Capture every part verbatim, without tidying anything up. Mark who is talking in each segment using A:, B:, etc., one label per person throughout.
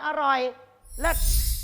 A: อร่อยเลิศ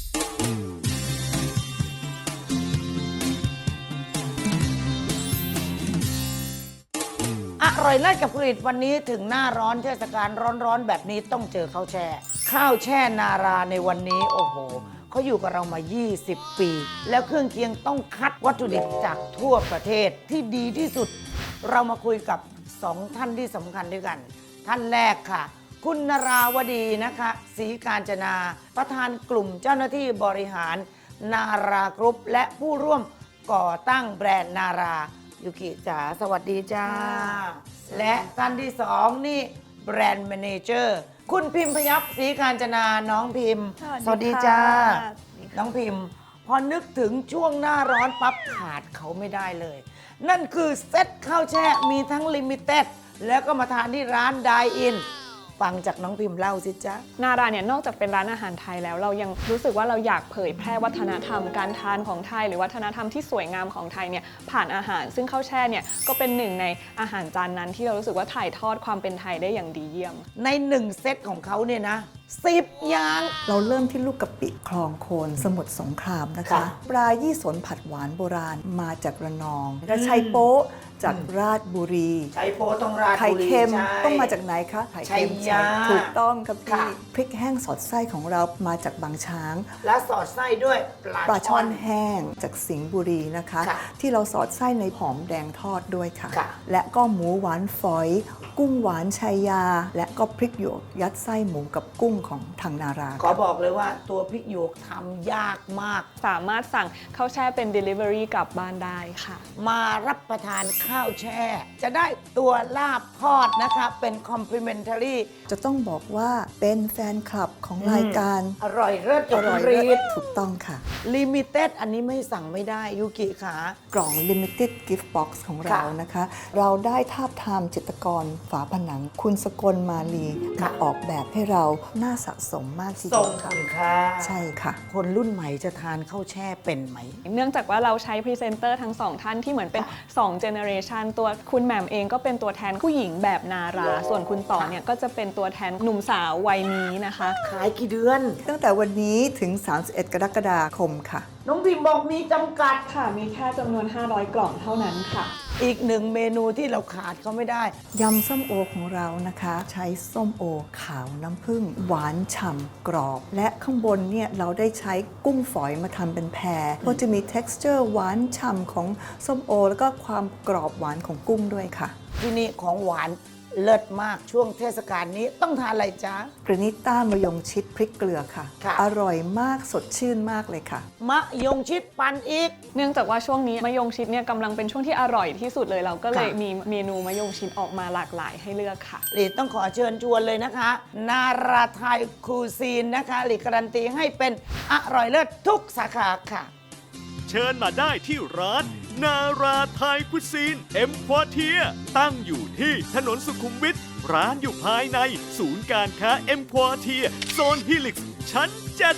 A: อร่อยเลิศกับผลิตวันนี้ถึงหน้าร้อนเทศกาลร้อนๆแบบนี้ต้องเจอข้าวแช่ข้าวแช่นาราในวันนี้โอ้โหเขาอยู่กับเรามา ยี่สิบ ปี แล้วเครื่องเคียงต้องคัดวัตถุดิบจากทั่วประเทศที่ดีที่สุดเรามาคุยกับสองท่านที่สำคัญด้วยกันท่านแรกค่ะคุณนราวดีนะคะศรีกาญจนาประธานกลุ่มเจ้าหน้าที่บริหารนารากรุ๊ปและผู้ร่วมก่อตั้งแบรนด์นารายุกิจ๋าสวัสดีจ้าและท่านที่สองนี่แบรนด์แมเนเจอร์คุณพิมพยับศรีกาญจนาน้องพิมพ์สวัสดีจ้าน้องพิมพ์พอนึกถึงช่วงหน้าร้อนปั๊บขาดเขาไม่ได้เลยนั่นคือเซ็ตข้าวแช่มีทั้งลิมิเต็ดแล้วก็มาทานที่ร้านไดอินฟังจากน้องพิมพ์เล่าสิจ๊ะ
B: นาราเนี่ยนอกจากเป็นร้านอาหารไทยแล้วเรายังรู้สึกว่าเราอยากเผยแพร่วัฒนธรรมการทานของไทยหรือวัฒนธรรมที่สวยงามของไทยเนี่ยผ่านอาหารซึ่งข้าวแช่เนี่ยก็เป็นหนึ่งในอาหารจานนั้นที่เรารู้สึกว่าถ่ายทอดความเป็นไทยได้อย่างดีเยี่ยม
A: ในหนึ่งเซตของเขาเนี่ยนะสิบอย่าง
C: เราเริ่มที่ลูกกะปิคลองโคนสมุทรสงครามนะคะปลายี่สนผัดหวานโบราณมาจากระนองกระชัยโป๊ะจากราชบุรี
A: ไข่โป๊ต้องราชบุรี
C: ไข่เค็มต้องมาจากไหนคะไข่เค็มถูกต้องครับพี่พริกแห้งสอดไส้ของเรามาจากบางช้าง
A: และสอดไส้ด้วย
C: ปลาช่อนแห้งจากสิงห์บุรีนะคะที่เราสอดไส้ในหอมแดงทอดด้วยค่ะและก็หมูหวานฝอยกุ้งหวานชัยยาและก็พริกหยวกยัดไส้หมูกับกุ้งของทางนารา
A: ขอบอกเลยว่าตัวพริกหยวกทำยากมาก
B: สามารถสั่งข้าวแช่เป็น Delivery กลับบ้านได้ค่ะ
A: มารับประทานข้าวแช่จะได้ตัวลาบทอดนะคะเป็น complimentary
C: จะต้องบอกว่าเป็นแฟนคลับของรายการ
A: อร่อยเลิศ
C: อร่อยเลิศถูกต้องค่ะ
A: Limited อันนี้ไม่สั่งไม่ได้ยูกิค่ะ
C: กล่อง Limited Gift Box ของเรานะคะเราได้ทาบทามจิตรกรฝาผนังคุณสกลมาลีมาออกแบบให้เราน่าสะสมมากทีเดียว
A: ค่ะ
C: ใช่ค่ะ
A: คนรุ่นใหม่จะทานข้าวแช่เป็นไหม
B: เนื่องจากว่าเราใช้พรีเซนเตอร์ทั้งสองท่านที่เหมือนเป็นสองเจเนอเรชันตัวคุณแหม่มเองก็เป็นตัวแทนผู้หญิงแบบนาราส่วนคุณต่อเนี่ยก็จะเป็นตัวแทนหนุ่มสาววัยนี้นะคะ
A: ขายกี่เดือน
C: ตั้งแต่วันนี้ถึงสามสิบเอ็ดกรกฎาคมค่ะ
A: น้องพิมบอกมีจำกัด
B: ค่ะมีแค่จำนวนห้าร้อยกล่องเท่านั้นค่ะ
A: อีกหนึ่งเมนูที่เราขาดเขาไม่ได้
C: ยำส้มโอของเรานะคะใช้ส้มโอขาวน้ำผึ้งหวานฉ่ำกรอบและข้างบนเนี่ยเราได้ใช้กุ้งฝอยมาทำเป็นแพรก็จะมี texture หวานฉ่ำของส้มโอแล้วก็ความกรอบหวานของกุ้งด้วยค่ะ
A: ที่นี่ของหวานเลิศมากช่วงเทศกาลนี้ต้องทานอะไรจ๊ะ
C: กรนิต้ามะยงชิดพริกเกลือค่ะอร่อยมากสดชื่นมากเลยค่ะ
A: มะยงชิดปั่นอีก
B: เนื่องจากว่าช่วงนี้มะยงชิดเนี่ยกำลังเป็นช่วงที่อร่อยที่สุดเลยเราก็เลยมีเมนูมะยงชิดออกมาหลากหลายให้เลือกค่ะ
A: หลีต้องขอเชิญชวนเลยนะคะนาราไทยคูซีนนะคะหลีการันตีให้เป็นอร่อยเลิศทุกสาขาค่ะ
D: เชิญมาได้ที่ร้านนาราไทยคุซีนเอ็มควอเทียตั้งอยู่ที่ถนนสุขุมวิทร้านอยู่ภายในศูนย์การค้าเอ็มควอเทียโซนฮิลิกซ์ชั้นเจ็ด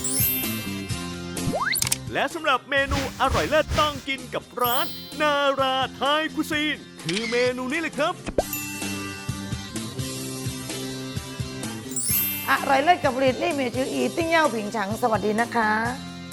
D: และสำหรับเมนูอร่อยเลิศต้องกินกับร้านนาราไทยคุซีนคือเมนูนี้เลยครับ
A: อร่อยเลิศกับผลิตลี่เมจืออีติ้งเย่าผิงฉังสวัสดีนะคะ